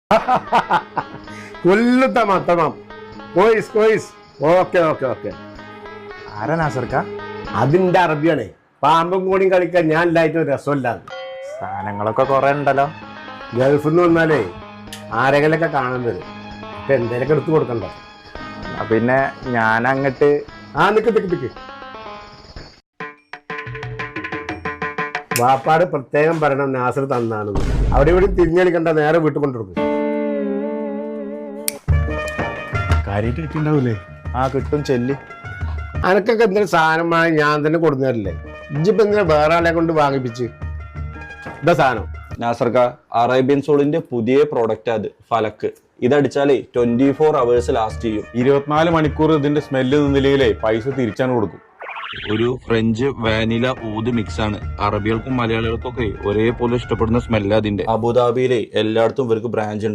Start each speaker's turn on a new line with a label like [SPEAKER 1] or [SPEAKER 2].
[SPEAKER 1] كله تمام تمام كويس كويس okay okay okay.
[SPEAKER 2] ആരാ നാസർക്ക?
[SPEAKER 1] അതിന്റെ അറബിയാണേ. പാമ്പും കൂടിയും കളിക്കാൻ ഞാൻ ഇല്ലായിട്ട് ഒരു രസമില്ലാതെ.
[SPEAKER 2] സാധനങ്ങളൊക്കെ കുറെ ഉണ്ടല്ലോ.
[SPEAKER 1] ഗൾഫിൽ നിന്ന് വന്നാലേ ആരെങ്കിലൊക്കെ കാണാൻ വരും. അപ്പൊ എന്തേലൊക്കെ എടുത്തു കൊടുക്കണ്ട.
[SPEAKER 2] പിന്നെ ഞാൻ അങ്ങട്ട്
[SPEAKER 1] നിക്ക് വാപ്പാട് പ്രത്യേകം പറയണം നാസർ തന്നാണെന്ന്. അവിടെ ഇവിടെ തിരിഞ്ഞടിക്കണ്ട, നേരെ വീട്ടിൽ കൊണ്ടുകൊടുക്കും. കാര്യമായിട്ട് കിട്ടിണ്ടാവൂലേ?
[SPEAKER 2] കിട്ടും ചെല്ലി.
[SPEAKER 1] അനക്കൊക്കെ എന്തെങ്കിലും സാധനം വാങ്ങി ഞാൻ തന്നെ കൊടുന്നതല്ലേ. ഇജ്ജിപ്പോ എന്തിനാ വേറെ ആളെ കൊണ്ട് വാങ്ങിപ്പിച്ച്? ഇതാ സാധനം.
[SPEAKER 3] നാസർക്ക, അറേബ്യൻ സോളിന്റെ പുതിയ പ്രോഡക്റ്റ് അത് ഫലക്ക്. ഇതടിച്ചാലേ 24 hours ലാസ്റ്റ് ചെയ്യും.
[SPEAKER 4] 24 മണിക്കൂർ ഇതിന്റെ സ്മെല്ല് നിന്നില്ലെങ്കിലേ പൈസ തിരിച്ചാണ് കൊടുക്കും.
[SPEAKER 3] ഒരു ഫ്രഞ്ച് വാനില ഊത് മിക്സ് ആണ്. അറബികൾക്കും മലയാളികൾക്കും ഒക്കെ ഒരേപോലെ ഇഷ്ടപ്പെടുന്ന സ്മെല്ല് അതിന്റെ. അബുദാബിയിലെ എല്ലായിടത്തും ഇവർക്ക് ബ്രാഞ്ച് ഉണ്ട്.